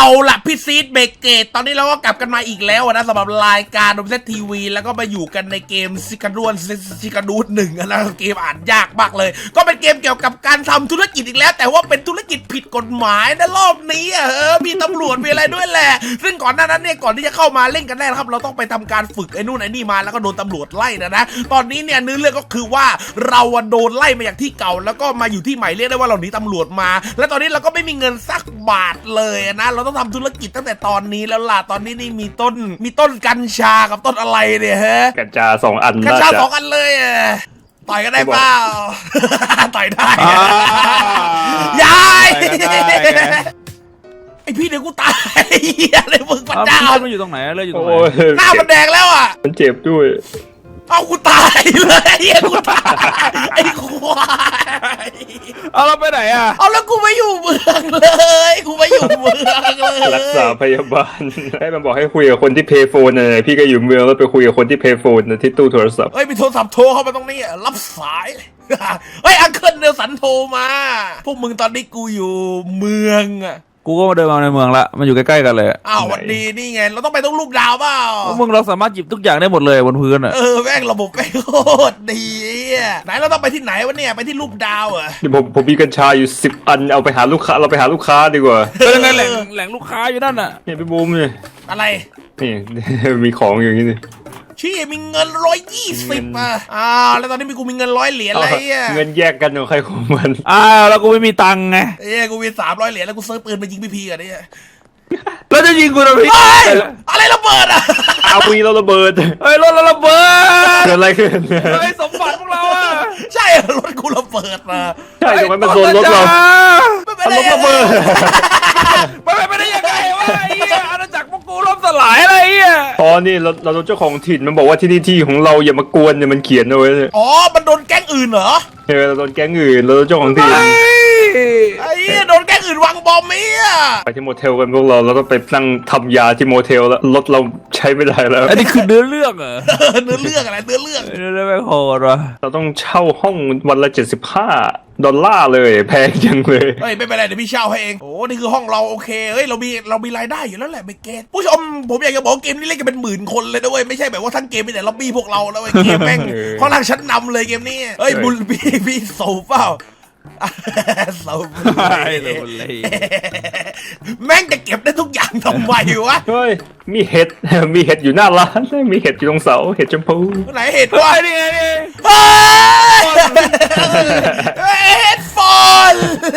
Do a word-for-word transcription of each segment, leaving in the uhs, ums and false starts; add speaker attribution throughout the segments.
Speaker 1: ล่ะพี่ซีดเบเกตตอนนี้เราก็กลับกันมาอีกแล้วนะสำหรับรายการโดมเซตทีวีแล้วก็มาอยู่กันในเกมซิกาดวนซิกาดูดหนึ่งนะเกมอ่านยากมากเลยก็เป็นเกมเกี่ยวกับการทำธุรกิจอีกแล้วแต่ว่าเป็นธุรกิจผิดกฎหมายนะรอบนี้เออมีตำรวจมีอะไรด้วยแหละซึ่งก่อนหน้านั้นเนี่ยก่อนที่จะเข้ามาเล่นกันแน่ครับเราต้องไปทำการฝึกไอ้นู่นไอ้นี่มาแล้วก็โดนตำรวจไล่นะนะตอนนี้เนี่ยเนื้อเรื่องก็คือว่าเราโดนไล่มาจากที่เก่าแล้วก็มาอยู่ที่ใหม่เรียกได้ว่าเราหนีตำรวจมาและตอนนี้เราก็ไม่มีเงินสักบาทเลยนะเราต้องทำธุรกิจตั้งแต่ตอนนี้แล้วล่ะตอนนี้นี่มีต้นมีต้นกัญชากับต้นอะไรเนี่ยฮะ
Speaker 2: กัญชาสองอัน
Speaker 1: กัญชาสองอันเลยต่อยกันได้เปล่าต่อยได้ยายไอพี่เดี๋ยวกูตายอะไรมึงพระเจ้า
Speaker 3: มันอยู่ตรงไหนเลยอยู่ตรงไหน
Speaker 1: หน้ามันแดงแล้วอ่ะ
Speaker 2: มันเจ็บด้วย
Speaker 1: เอากูตายเลยไอ้กูตายไอ้ควาย
Speaker 3: เอาเราไปไหนอ่ะ
Speaker 1: เอาแล้วกูไม่อยู่เมืองเลยกูไม่อยู่เมืองเลย
Speaker 2: รักษาพยาบาลให้มันบอกให้คุยกับคนที่เพย์โฟนนะพี่ก็อยู่เมืองแล้วไปคุยกับคนที่เพย์โฟนนะที่ตู้โทรศัพท์
Speaker 1: เฮ้ยมีโทรศัพท์โทรเข้ามาตรงนี้รับสายเฮ้ยอังเคิลเนลสันโทรมาพวกมึงตอนนี้กูอยู่เมืองอะ
Speaker 3: กูก็มาเดินมาในเมืองละมันอยู่ใกล้ๆกันเลย
Speaker 1: อ้าววันดีนี่ไงเราต้องไปต้องรูปดาวเปล่า
Speaker 3: มึงเราสามารถหยิบทุกอย่างได้หมดเลยบนพื้นอ่ะ
Speaker 1: เออแม่งระบบแม่งโคตรดีไหนเราต้องไปที่ไหนวะเนี่ยไปที่รูปดาวเหรอ
Speaker 2: ผมผมมีกัญชาอยู่สิบอันเอาไปหาลูกค้าเราไปหาลูกค้าดีกว่า
Speaker 3: เป็นยังไงแหล่งแหล่งลูกค้าอยู่นั่นน่ะ
Speaker 2: เนี่ยพี่บูมเนี่ย
Speaker 1: อะไร
Speaker 2: นี่มีของอย่างนี้นี่
Speaker 1: ชี้มีเงินร้อยยี่สิบอ่ะอ้าวแล้วตอนนี้มีกูมีเงินร้อยเหรียญอะไรอ่ะ
Speaker 2: เงินแยกกันของใครของมัน
Speaker 3: อ้าวแล้วกูไม่มีตังค์ไง
Speaker 1: เอ้ยกูมีสามร้อยเหรียญแล้วกูซื้อปืนมายิงพี่พีกันเนี่ย
Speaker 3: แล้วจะยิงกูทำไม
Speaker 1: อะไรระเบิดอ่ะ
Speaker 2: เอาวีเราระเบิด
Speaker 3: เฮ้ยรถเราระเบิด
Speaker 2: เกิดอะไรขึ้น
Speaker 3: เฮ้ยสมบัติพวกเราอ่ะ
Speaker 1: ใช่รถกูระเบิดมา
Speaker 2: ใช่ทำไมมันโดนรถเรา
Speaker 1: มันรถ
Speaker 2: ระเบิด
Speaker 3: ไปไปได้ยังไงวะไอ้เหี้ยอาณาจักรพวกกูล่มสลายอะไรเหี้ย
Speaker 2: อ๋อนี่เราเราโดนเจ้าของถิ่นมันบอกว่าที่นี่ที่ของเราอย่ามากวนเนี่ยมันเขียนเอาไว้
Speaker 1: อ๋อมันโดนแก๊งอื่นเหรอ
Speaker 2: เออเราโดนแก๊งอื่นเราโดนเจ้าของถิ่น
Speaker 1: ไอ้โดนแก๊งอื่นวางบอมมั้ย
Speaker 2: ไปที่โมเทลกันพวกเราเราต้องไปนั่งทำยาที่โมเทลแล้วรถเราใช้ไม่ได้แล้ว
Speaker 3: อันนี้คือเนื้อเรื่องเหรอ
Speaker 1: เนื้อเรื่องอะไรเนื้อเรื่อง
Speaker 3: เนื้อเรื่องไม่โหดวะ
Speaker 2: เราต้องเช่าห้องวันละเจ็ดสิบห้าดอลลาร์เลยแพงจังเลย
Speaker 1: เฮ้ยไม่เป็นไรเดี๋ยวพี่เช่าให้เองโอ้นี่คือห้องเราโอเคเฮ้ยเรามีเรามีรายได้อยู่แล้วแหละไม่เกตผู้ชมผมอยากจะบอกเกมนี้เล่นกันเป็นหมื่นคนเลยนะเว้ยไม่ใช่แบบว่าทั้งเกมมีแต่ล็อบบี้พวกเราแล้วไอ้เกมแม่งค่อนข้างชั้นนำเลยเกมนี้เฮ้ยบุลพี่พี่โซเปล่าโซเลยแม่งจะเก็บได้ทุกอย่างทำไมวะ
Speaker 2: เฮ้ยมีเห็ดมีเห็ดอยู่หน้าร้านมีเห็ดอยู่ตรงเสาเห็ดชมพู
Speaker 1: ไหนเห็ดวะ
Speaker 3: นี่ไง
Speaker 1: เห็ดฟอน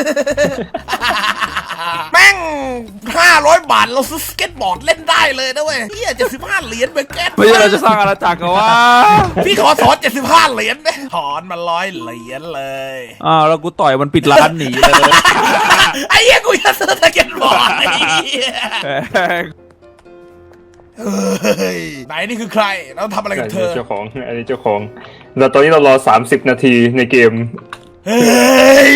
Speaker 1: แม่งห้าร้อยบาทเราซื้อสเก็ตบอร์ดเล่นได้เลยนะเว้ยเฮียเจ็ดสิบห้าเหรียญเบเกต
Speaker 3: ไม่ใช่เราจะสร้างอาณาจักรกันวะ
Speaker 1: พี่ขอถอนเจ็ดสิบห้าเหรียญไหมถอนมาร้อยเหรียญเลย
Speaker 3: อ้าวแล้วกูต่อยมันปิดร้านหนีเลย
Speaker 1: ไอ้เหี้ยกูจะซื้อสเก็ตบอร์ดไอ้เหี้ยเฮ้ยไหนนี่คือใครเราทำอะไรกับเธอ
Speaker 2: เจ้าของอันนี้เจ้าของเราตอนนี้เรารอสามสิบนาทีในเกม
Speaker 1: เฮ้ย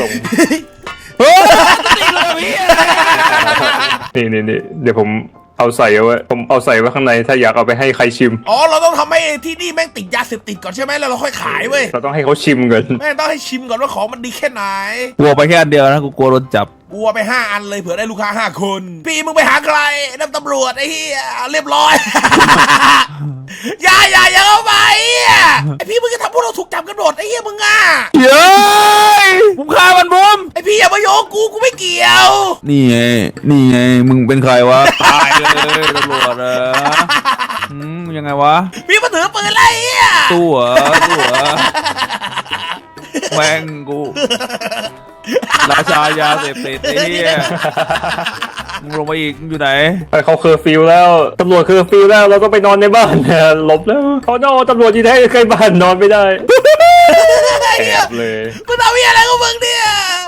Speaker 2: นี่นี่นี่เดี๋ยวผมเอาใส่เอาไว้ผมเอาใส่ไว้ข้างในถ้าอยากเอาไปให้ใครชิม
Speaker 1: อ๋อเราต้องทำให้ที่นี่แม่งติดยาเสพติดก่อนใช่ไหมแล้วเราค่อยขายเว้ย
Speaker 2: เราต้องให้เขาชิมก่อน
Speaker 1: แม่งต้องให้ชิมก่อนว่าของมันดีแค่ไหน
Speaker 3: กลัวไปแค่อันเดียวนะกูกลัวโดนจับ
Speaker 1: กลัวไปห้าอันเลยเผื่อได้ลูกค้าห้าคนพี่มึงไปหาใครน้ำตำรวจไอ้เหี้ยเรียบร้อยอย่าอย่าอย่าเข้าไปไอ้พี่มึงจะทำพวกเราถูกจับกันหมดไอ้เหี้ยมึงอ่ะ
Speaker 3: เย้ยมึงฆ่ามันบุ้ม
Speaker 1: ไอ้พี่อย่ามาโยกกูกูไม่เกี่ยว
Speaker 3: นี่ไงนี่ไงมึงเป็นใครวะตายเลยตำรวจอะอืมยังไงวะ
Speaker 1: พี่มาถือปืนอะไรอ่ะ
Speaker 3: ตู้เหรอตู้เหรอแม่งกูราชายาเสพติดไอ้เหี้ยมึงลงมาอีกมึงอยู่ไหน
Speaker 2: เขาเคอร์ฟิวแล้วตำรวจเคอร์ฟิวแล้วเราก็ไปนอนในบ้านหลบแล้วเขาโน่ตำรวจที่แท้ใกล้บ้านนอนไม่ได้แอบเลย
Speaker 1: มึงทำอะไรกับมึงเนี่ย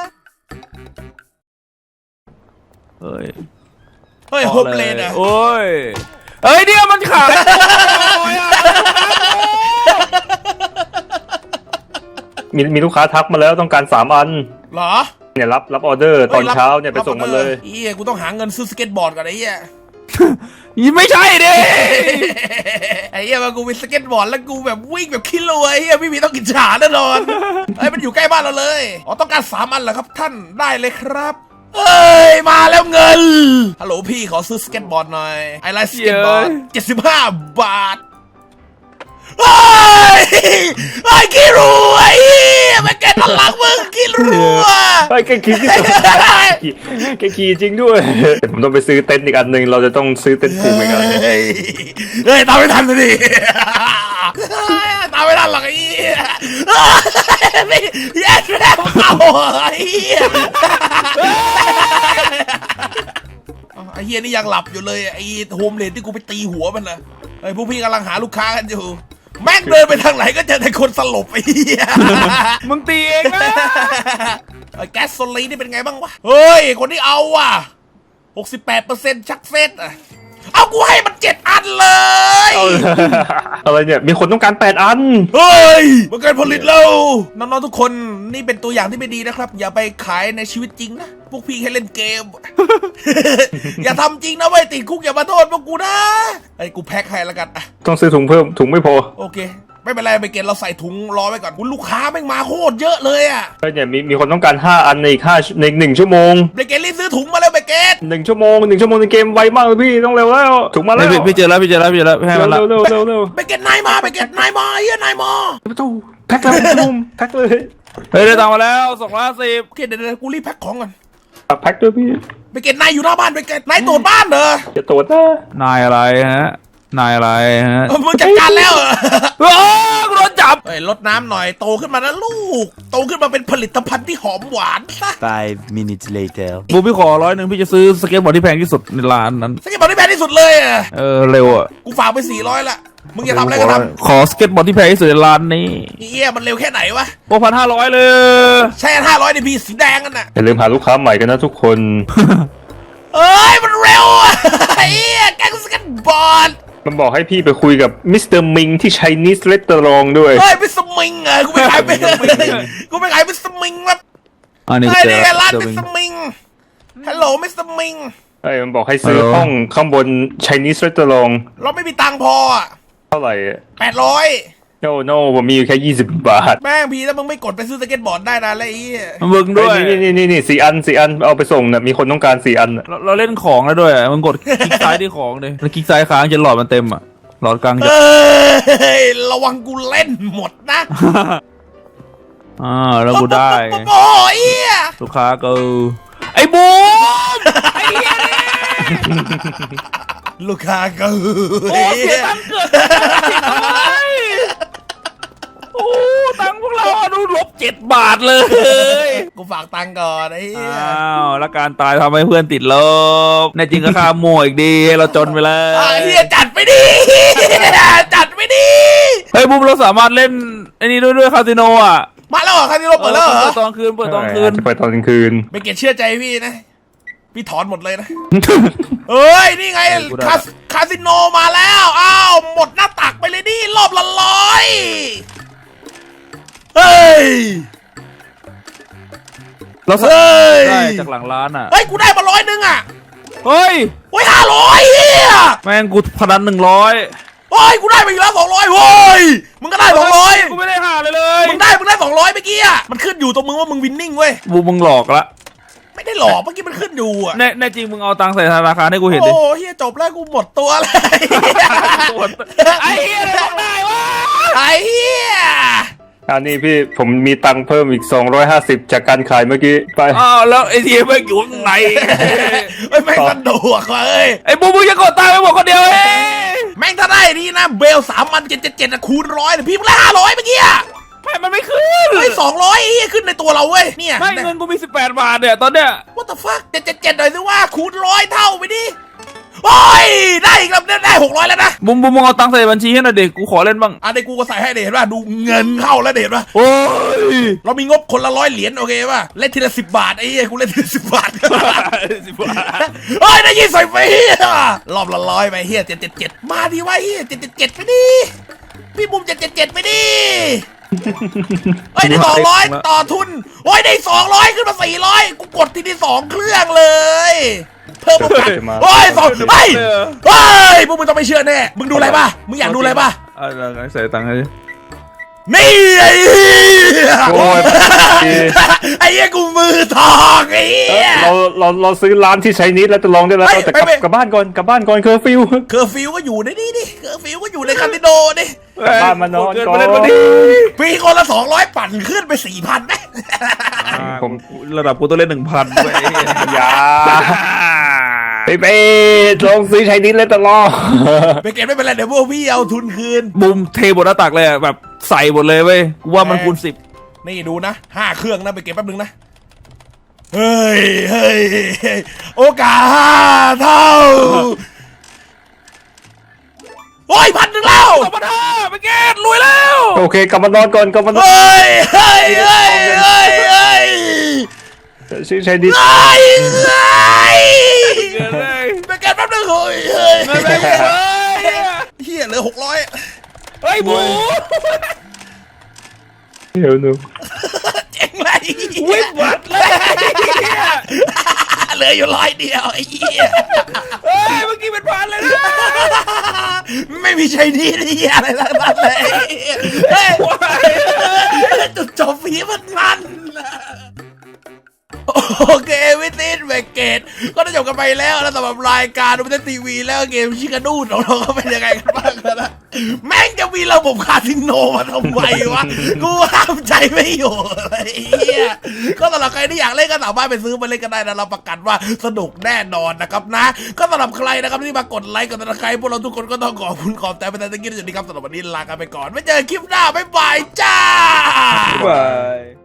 Speaker 3: เฮ้ย
Speaker 1: เฮ้ยโฮมเลนอ่ะ
Speaker 3: โอ้ยเฮ้ยเนี่ยมันขาด
Speaker 2: มีมีลูกค้าทักมาแล้วต้องการสามอัน
Speaker 1: เหรอ
Speaker 2: เนี่ยรับรับออเดอร์ตอนเช้าเนี่ยไปส่งมาเลย
Speaker 1: เฮียกูต้องหาเงินซื้อสเก็ตบอร์ดก่อนไอ้เฮีย
Speaker 3: ยี่ไม่ใช่ดิ
Speaker 1: ไอ้เฮียมากูมีสเก็ตบอร์ดแล้วกูแบบวิ่งแบบขี้รวยเฮียพี่มีต้องกินฉาแน่นอนไอ้มันอยู่ใกล้บ้านเราเลยอ๋อต้องการสามอันเหรอครับท่านได้เลยครับเอ้ยมาแล้วเงินฮัลโหลพี่ขอซื้อสเก็ตบอร์ดหน่อยไอไลน์สเก็ตบอร์ดเจ็ดสิบห้าบาทเฮ้ยไอ้ขี้รัวไอ้แม่แกตลักมึงขี้รัว
Speaker 2: ไอ้แกขี่ที่สุดแกขี่จริงด้วยแต่ผมต้องไปซื้อเต็นท์อีกอันหนึ่งเราจะต้องซื้อเต็นท์ผูกอีกอัน
Speaker 1: เฮ้ยเฮ้ยตามไม่ทันเลยดิตามไม่ทันหรอกไอ้เหี้ยนี่แย่แย่เข้าไอ้เหี้ยไอ้เฮียนี่ยังหลับอยู่เลยไอ้โฮมเลนที่กูไปตีหัวมันนะไอ้พวกพี่กำลังหาลูกค้ากันอยู่แม่งเดินไปทางไหนก็เจอแต่คนสลบไอ้เหี้ย
Speaker 3: มึงตีเองนะ
Speaker 1: ไอ้แก๊สโซลีนี่เป็นไงบ้างวะเฮ้ยคนที่เอาว่ะ หกสิบแปดเปอร์เซ็นต์ ชักเซตอ่ะเอากูให้มันเจ็ดอันเลย
Speaker 2: เอาอะไรเนี่ยมีคนต้องการแปดอัน
Speaker 1: เฮ้ยมันเกินผลิตแล้วน้องๆทุกคนนี่เป็นตัวอย่างที่ไม่ดีนะครับอย่าไปขายในชีวิตจริงนะพวกพี่แค่เล่นเกม อย่าทำจริงนะเว้ยติดคุกอย่ามาโทษพวกกูนะไอ้กูแพ็คให้แล้วกันอะ
Speaker 2: ต้องซื้อถุงเพิ่มถุงไม่พอ
Speaker 1: โอเคไม่เป็นไรไปเกณฑ์เราใส่ถุงรอไว้ก่อนคุณลูกค้าแม่งมาโคตรเยอะเลยอะ
Speaker 2: ไอ้เนี่ยมีมีคนต้องการห้าอันในอีกห้าในหนึ่งชั่วโมง
Speaker 1: ไปเกณฑ์รีบซื้อถุงมาแล้วไปเกณฑ์
Speaker 2: หนึ่งชั่วโมงหนึ่งชั่วโมงในเกมไวมากเลยพี่ต้องเร็วแล้วถุงมาแล้ว
Speaker 3: พี่พี่เจอแล้วพี่เจอแล้วพี่เจอแล้วให้
Speaker 2: เร็
Speaker 3: มัน
Speaker 2: ว
Speaker 3: ละ
Speaker 2: เร็วเร็วเร็ว
Speaker 1: ไปเกณฑ์นายมาไปเกณฑ์นายมาเฮียนายมา
Speaker 2: ประตูแพ็คแล้วนุ่มแพ็คเลย
Speaker 3: เฮ้ยได้ตังค์มาแล้วสองร้อยห้าสิบ
Speaker 1: โอเคเดี๋ยวเดี๋ยวกูรีบแพ็คของก่อน
Speaker 2: แพ็คด้วยพี่
Speaker 1: ไปเกณฑ์นายอยู่หน้าบ้านไปเกณฑ์นายตรวจบ้านเหรอ
Speaker 2: จะตรวจนะ
Speaker 3: นายอะไรฮะนายอะไรฮะ
Speaker 1: เออมึงจัดการแล้วเหรอ
Speaker 3: โอ้กูโดนจับ
Speaker 1: เฮ้ยลดน้ำหน่อยโตขึ้นมานะลูกโตขึ้นมาเป็นผลิตภัณฑ์ที่หอมหวานซะ
Speaker 4: Five minutes later.
Speaker 3: บูพี่ขอร้อยหนึ่งพี่จะซื้อสเก็ตบอร์ดที่แพงที่สุดในร้านนั้น
Speaker 1: สเก็ตบอร์ดที่แพงที่สุดเลยอ่ะ
Speaker 3: เออเร็วอ่ะ
Speaker 1: กูฝากไปสี่ร้อยละมึงจะทำอะไรก็ท
Speaker 3: ขอสเก็ตบอร์ดที่แพงที่สุดในร้านนี้
Speaker 1: ำเฮียมันเร็วแค่ไหนวะ
Speaker 3: หกพันห้าร้อยเลย
Speaker 1: ใช่ห้าร้อยในพีสีแดงกันน่ะ
Speaker 2: อย่าลืมหาลูกค้าใหม่กันนะทุกคน
Speaker 1: เอ้ยมันเร็วอ่ะเฮียแกงสเก็ตบอร์ด
Speaker 2: มันบอกให้พี่ไปคุยกับมิสเตอร์มิงที่ Chinese Restaurant ด้วย
Speaker 1: เฮ้ยมิสมิงอ่ะกูไม่ขายไปกูไม่ขายมิสมิงแบบ
Speaker 3: อันนี้
Speaker 1: เฮ้ย
Speaker 3: เจ
Speaker 1: นี่
Speaker 3: อ
Speaker 1: ไงร้าน
Speaker 3: เจอ
Speaker 1: มิ
Speaker 3: เป็น
Speaker 1: สมิงฮัลโหลมิสมิง
Speaker 2: ไอ้มันบอกให้ซื้อ
Speaker 3: ฮัลโหล
Speaker 2: ห้องข้างบน Chinese Restaurant
Speaker 1: เราไม่มีตังค์พออ่ะ
Speaker 2: เท่าไหร่
Speaker 1: แปดร้อย
Speaker 2: no no ผมมีอยู่แค่ยี่สิบบาท
Speaker 1: แม่งพี่ถ้ามึงไม่กดไปซื้อสเก็ตบอร์ดได้นะแล้วไอ้เหี้ย
Speaker 3: มึงด้วย
Speaker 2: นี่นี่นี่นี่สี่อันสี่อันเอาไปส่งนะมีคนต้องการสี่อันน่ะ
Speaker 3: เราเราเล่นของแล้วด้วยอะมึงกดคลิกซ้ายที่ของเลยแล้วคลิกซ้ายค้างจนหลอดมันเต็มอ่ะหลอดกลางจะ
Speaker 1: เอ้ยระวังกูเล่นหมดนะ
Speaker 3: อ่าแล้วกูได้
Speaker 1: โอ้ยเหี้ย
Speaker 3: ลูกค้าก็ไอ้บูมไอ้เหี้ยนี่
Speaker 1: ลูกค้าก็
Speaker 3: โอ้เสียตังค์เกิดโอ้ตังค์พวกเราอะดูลบเจ็ดบาทเลย
Speaker 1: กูฝากตังค์ก่อนไอ้เหี้ย
Speaker 3: อ้าวแล้วการตายทำให้เพื่อนติดลบแน่จริงก็ค่าโม่อีกดีให้เราจนไปแล้
Speaker 1: ไอ้
Speaker 3: ว
Speaker 1: เหี้ยจัดไปดิจัดไปดิ
Speaker 3: เฮ้ยบูมเราสามารถเล่นไอ้นี่ด้วยด้วยคาสิโนอ่ะ
Speaker 1: มาแล้วเหรอคาสิโนเปิดแล้วเหรอ
Speaker 3: เปิดตอนคืนเปิดตอนคืน
Speaker 2: ใช่เปิดตอนกลางคืน
Speaker 1: ไม่เกลียดเชื่อใจพี่นะพี่ถอนหมดเลยนะเอ้ยนี่ไงคาสคาสิโนมาแล้วอ้าวหมดหน้าตักไปเลยดิรอบละร้อยเฮ้ย
Speaker 3: เรา
Speaker 1: เฮ้ย
Speaker 3: ได้จากหลังร้านอ่ะ
Speaker 1: เฮ้ยกูได้มาร้อยหนึงอ่ะ
Speaker 3: เฮ้ย
Speaker 1: โอ้ยห้าร้อยเฮีย
Speaker 3: แม่งกูพนันหนึ่งร้อย
Speaker 1: โอ้ยกูได้ไปอีกแล้วสองร้อยโว้ยมึงก็ได้สองร้อย
Speaker 3: กูไม่ได้หาเลยเลย
Speaker 1: มึงได้มึงได้สองร้อยเมื่อกี้อ่ะมันขึ้นอยู่ตรงมึงว่ามึงวินนิ่งเว้ย
Speaker 3: บูมมึงหลอกละ
Speaker 1: ไม่ได้หลอกเมื่อกี้มันขึ้นอยู่อ่ะ
Speaker 3: แน่แน่จริงมึงเอาตังค์ใส่ธนาคารให้กูเห็นดิ
Speaker 1: โอ้เฮียจบแล้วกูหมดตัวเลย
Speaker 3: ไอ้เหี้ยอะไรบอกได้วะ
Speaker 1: ไอ้เฮีย
Speaker 2: อันนี้พี่ผมมีตังค์เพิ่มอีกสองร้อยห้าสิบจากการขายเมื่อกี้ไป
Speaker 3: อ้าวแล้วไอ้ทีมแม่งอยู่ข้างใน
Speaker 1: เฮ้ยแม่งสะดวกว่ะเอ้ย
Speaker 3: ไอ้บูมมึงจะกดตังค์ไปหมดคนเดียวเอง
Speaker 1: แม่งถ้าได้นี่นะเบลสามพันเจ็ดเจ็ดเจ็ดคูณร้อยเนี่ยพี่มึงได้ห้าร้อยเมื่อกี้อ่ะ
Speaker 3: ไม่มันไม่ขึ้น
Speaker 1: เฮ้ยสองร้อยขึ้นในตัวเราเว้ยเนี่ย
Speaker 3: ไม่เงินกูมีสิบแปดบาทเนี่ยตอนเนี้ย
Speaker 1: what the fuck เจ็ดเจ็ดเจ็ดหน่อยสิว่าคูณร้อยเท่าไปดิโอ้ยได้อีกแล้วได้หกร้อยแล้วนะ
Speaker 3: บูมบูมมึงเอาตังค์ใส่บัญชีให้หน่อยเด็กกูขอเล่นบ้าง
Speaker 1: อ่ะเดี๋ยวกูก็ใส่ให้เด็ดว่าดูเงินเข้าแล้วเด็ดว่า
Speaker 3: โอ้ย
Speaker 1: เรามีงบคนละร้อยเหรียญโอเคป่ะเล่นทีละสิบบาทไอ้เหี้ยกูเล่นทีละสิบบาท
Speaker 3: สิบบาท
Speaker 1: เฮ้ยได้ยี่สิบไปเฮียรอบละร้อยไปเฮียเจ็ดเจ็ดเจ็ดมาดิวะเฮียเจ็ดเจ็ดเจ็ดไปดิพี่บุ้มเจ็ดเจ็ดเจ็ดไปดิเฮ้ยได้สองร้อยต่อทุนโอ้ยได้สองร้อยขึ้นมาสี่ร้อยกูกดทีที่สองเครื่องเลยเพิ่มมาพันโอ้ยสองเฮ้ยเฮ้ยพวกมึงต้องไม่เชื่อแน่มึงดูอะไรป่ะมึงอยากดูอะไรป่ะ
Speaker 3: เอาใส่ตังค์ให้
Speaker 1: นี่ไอ้เหี้ย
Speaker 2: โอ้ย
Speaker 1: ไอ้เหี้ยกูมือทองไอ้เหี้ย
Speaker 2: เราเราเราซื้อร้านที่ใช้นิดแล้วจะลองได้แล้ว
Speaker 1: เฮ้ย
Speaker 2: แต่กลับ
Speaker 1: ไม่ไม่
Speaker 2: กลับบ้านก่อนกลับบ้านก่อนเคอร์ฟิว
Speaker 1: เคอร์ฟิวก็อยู่ในนี่ดิเคอร์ฟิวก็อยู่ในคาสิโนดิ
Speaker 2: กลับบ้านมานอน
Speaker 3: เกิน
Speaker 2: ก่อ
Speaker 3: ไป
Speaker 2: น
Speaker 3: เล่นมาดิ
Speaker 1: มีคนละสองร้อยปั่นขึ้นไปสี่พันไหม
Speaker 2: ผม
Speaker 3: ระดับกูต้องเล่นหนึ่งพันด้วย
Speaker 2: อย่าไปไปลองซื้อใช้นิดแล้วจะลอง
Speaker 1: ไปเก็บไม่เป็นไรเดี๋ยวพวกพี่เอาทุนคืน
Speaker 3: บุมเทบนหน้าตักเลยอะแบบใส่หมดเลยเว้ยกูว่ามันคูณสิบ
Speaker 1: นี่ดูนะห้าเครื่องนะไปเก็บแป๊บนึงนะเฮ้ยเฮ้ยเฮ้ยโอกาสห้าเท่าโอ้ยพันหนึ่งแล้ว
Speaker 3: สองพันห้าไปเกตรวยแล้ว
Speaker 2: โอเคกลับมานอนก่อนกลับมานอน
Speaker 1: เฮ้ยเฮ้ยเฮ้ยเฮ้ยเฮ้ย
Speaker 2: ซื้อใช้นิด
Speaker 1: เฮ้ยเฮ้ย
Speaker 3: เกินเลย
Speaker 1: ไปเก็บแป๊บนึงเฮ้ยเฮ้ย
Speaker 3: เงินไปหมดเลย
Speaker 1: เฮียเหลือหกร้อย
Speaker 3: เฮ้ยบู
Speaker 2: เดี๋ยวหนู
Speaker 1: เจ๋งเลย
Speaker 3: วิ่งวัดเลย
Speaker 1: เหลืออยู่ร้อยเดียวไอ้เหี้ย
Speaker 3: เฮ้ยเมื่อกี้เป็นพันเลยนะ
Speaker 1: ไม่มีใช้ดีนี่อะไรทั้งนั้นเลยเฮ้ยจุดจบฝีมันมันโอเควิตินเวกเกตก็ได้จบกันไปแล้วนะสำหรับรายการดูเป็นทีวีแล้วเกมชิคานูดของเราก็เป็นยังไงกันบ้างนะแม่งจะมีระบบคาสิโนมาทำไมวะกูห้ามใจไม่อยู่ไอ้เหี้ยก็สำหรับใครที่อยากเล่นก็สามารถไปซื้อมาเล่นกันได้นะเราประกันว่าสนุกแน่นอนนะครับนะก็สำหรับใครนะครับที่มากดไลค์กดติดตามพวกเราทุกคนก็ต้องขอบคุณขอบใจไปแต่ตะกี้ที่สุดนี้ครับสำหรับวันนี้ลากันไปก่อนไว้เจอคลิปหน้าบ๊ายบายจ้า
Speaker 3: บาย